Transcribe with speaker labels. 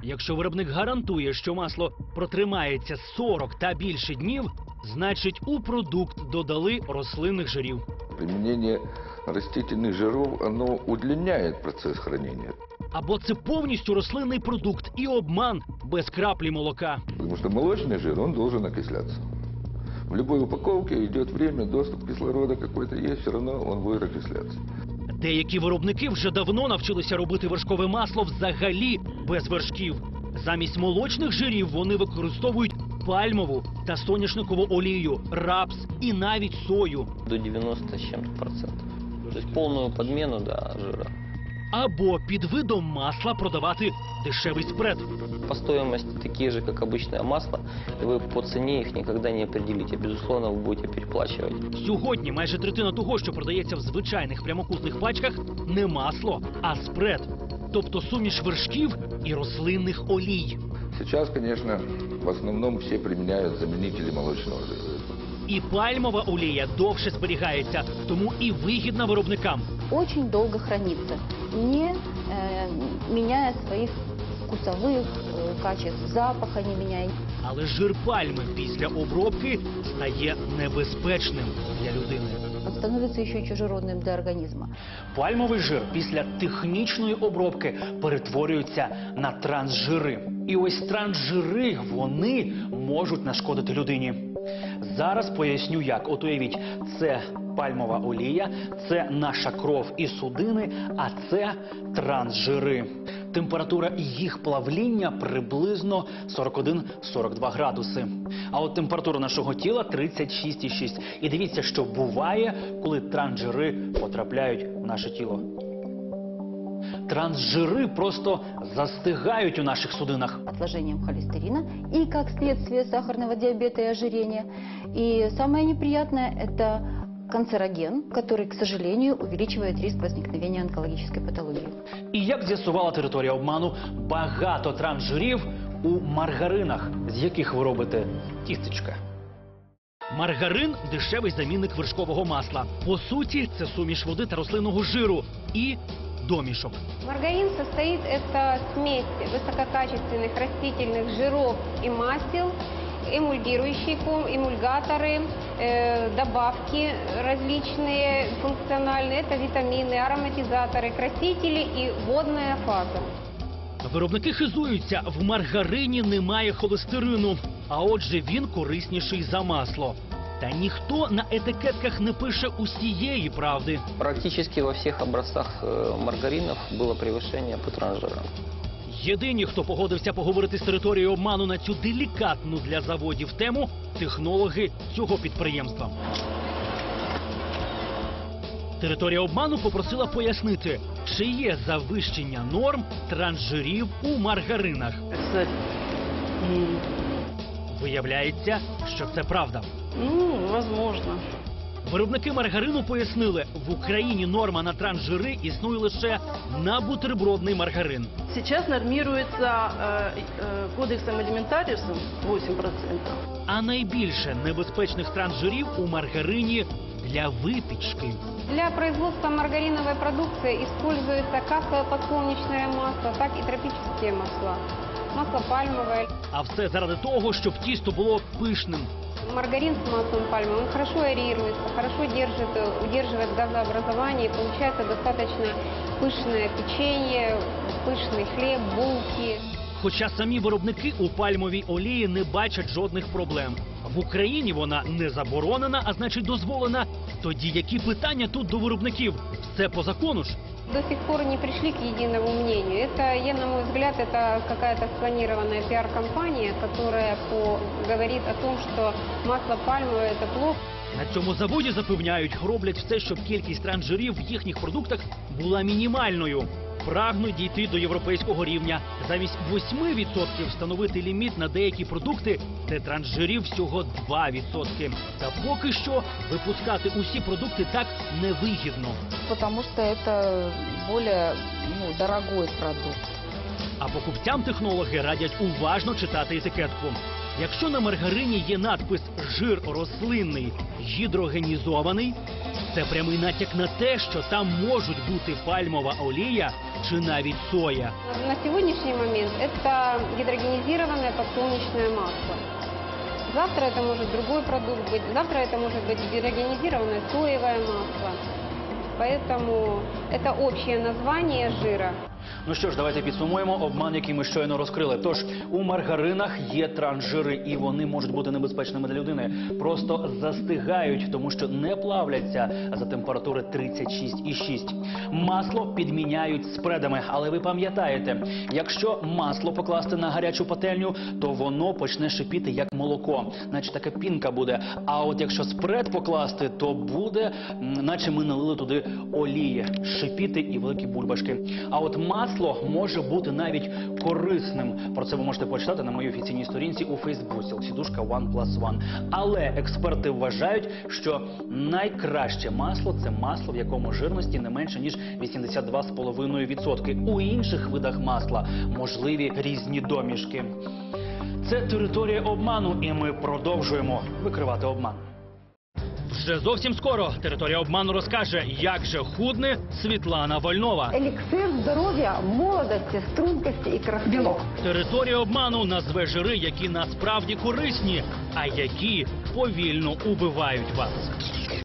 Speaker 1: Якщо виробник гарантує, що масло протримається 40 та більше днів, значить у продукт додали рослинних жирів.
Speaker 2: Применение растительных жиров, оно удлиняет процесс хранения.
Speaker 1: Або це повністю рослинний продукт і обман без краплі молока.
Speaker 2: Потому что молочный жир, он должен окисляться. В любой упаковке идет время, доступ кислорода какой-то есть, все равно он будет окисляться.
Speaker 1: Деякі виробники вже давно навчилися робити вершкове масло взагалі без вершків. Замість молочних жирів вони використовують пальмову та соняшникову олію, рапс і навіть сою.
Speaker 3: До 90 с чем-то процентов. То есть полную подмену жира.
Speaker 1: Або під видом масла продавати дешевий спред.
Speaker 3: По стоимости такие же, как обычное масло, и вы по цене их никогда не определите. Безусловно, вы будете переплачивать.
Speaker 1: Сьогодні майже третина того, що продається в звичайних прямокутних пачках, не масло, а спред. Тобто суміш вершків і рослинних олій.
Speaker 2: Сейчас, конечно, в основном все применяют заменители молочного жира.
Speaker 1: І пальмова олія довше зберігається, тому і вигідна виробникам.
Speaker 4: Очень долго хранится, не меняя своих вкусовых качеств, запаха не меняя.
Speaker 1: Але жир пальми після обробки стає небезпечним для людини.
Speaker 4: Он становится еще чужеродным для организма.
Speaker 1: Пальмовий жир після технічної обробки перетворюється на трансжири. І ось трансжири, вони можуть нашкодити людині. Зараз поясню як. От уявіть, це пальмова олія, це наша кров і судини, а це трансжири. Температура їх плавління приблизно 41-42 градуси. А от температура нашого тіла 36,6. І дивіться, що буває, коли трансжири потрапляють в наше тіло. Трансжири просто застигають у наших судинах.
Speaker 4: Отложением холестерина и, как следствие, сахарного диабета и ожирения. И самое неприятное – это канцероген, который, к сожалению, увеличивает риск возникновения онкологической патологии.
Speaker 1: І як з'ясувала територія обману, багато трансжирів у маргаринах, з яких ви робите тістечка. Маргарин – дешевий замінник вершкового масла. По суті, це суміш води та рослинного жиру і домішок.
Speaker 5: Маргарин состоит это смесь высококачественных растительных жиров и масел, эмульгирующие эмульгаторы, добавки различные функциональные, это витамины, ароматизаторы, красители и водная фаза.
Speaker 1: Виробники хизуються, в маргарині немає холестерину, а отже він корисніший за масло. Та ніхто на етикетках не пише усієї правди.
Speaker 3: Практически во всех образцах маргаринов было превышение по трансжирам.
Speaker 1: Єдині, хто погодився поговорити з територією обману на цю делікатну для заводів тему – технологи цього підприємства. Територія обману попросила пояснити, чи є завищення норм трансжирів у маргаринах. Виявляється, що це правда.
Speaker 6: Возможно.
Speaker 1: Виробники маргарину пояснили, в Україні норма на трансжири існує лише на бутербродний маргарин.
Speaker 6: Сейчас нормируется кодексом алиментариусом 8%.
Speaker 1: А найбільше небезпечних трансжирів у маргарині для випічки.
Speaker 5: Для производства маргариновой продукции используется как подсолнечное масло, так и тропические масла. Масло пальмовое.
Speaker 1: А все заради того, щоб тісто було пишним.
Speaker 5: Маргарин с маслом пальмы, он хорошо аэрируется, хорошо удерживает газообразование, и получается достаточно пышное печенье, пышный хлеб, булки.
Speaker 1: Хоча самі виробники у пальмовій олії не бачать жодних проблем. В Україні вона не заборонена, а значить дозволена. Тоді які питання тут до виробників? Все по закону ж.
Speaker 5: До сих пор не пришли к единому мнению. Это, на мой взгляд, это какая-то спланированная пиар-компания, которая говорит о том, что масло пальмовое – это плохо.
Speaker 1: На цьому заводі запевняють, роблять все, щоб кількість трансжирів в їхніх продуктах була мінімальною. Прагнуть дійти до європейського рівня. Замість 8% встановити ліміт на деякі продукти, де трансжирів всього 2%. Та поки що випускати усі продукти так невигідно.
Speaker 4: Потому что это более дорогой продукт.
Speaker 1: А покупцям технологи радять уважно читати етикетку. Якщо на маргарині є надпис «жир рослинний гідрогенізований», це прямий натяк на те, що там можуть бути пальмова олія чи навіть соя.
Speaker 5: На сегодняшний момент это гидрогенизированное подсолнечное масло. Завтра это может другой продукт быть, завтра это может быть гидрогенизированное соевое масло. Поэтому это общее название жира.
Speaker 1: Ну що ж, давайте підсумуємо обман, який ми щойно розкрили. Тож, у маргаринах є трансжири, і вони можуть бути небезпечними для людини. Просто застигають, тому що не плавляться за температури 36,6. Масло підміняють спредами, але ви пам'ятаєте, якщо масло покласти на гарячу пательню, то воно почне шипіти як молоко, наче така пінка буде. А от якщо спред покласти, то буде, наче ми налили туди олії, шипіти і великі бульбашки. А от масло може бути навіть корисним. Про це ви можете почитати на моїй офіційній сторінці у Фейсбуці. Сідушка OnePlus1. Але експерти вважають, що найкраще масло – це масло, в якому жирності не менше, ніж 82,5%. У інших видах масла можливі різні домішки. Це територія обману, і ми продовжуємо викривати обман. Вже зовсім скоро територія обману розкаже, як же худне Світлана Вольнова.
Speaker 7: Эликсир здоровья, молодости, стрункости и красоты. Белок.
Speaker 1: Територія обману назве жири, які насправді корисні, а які повільно убивають вас.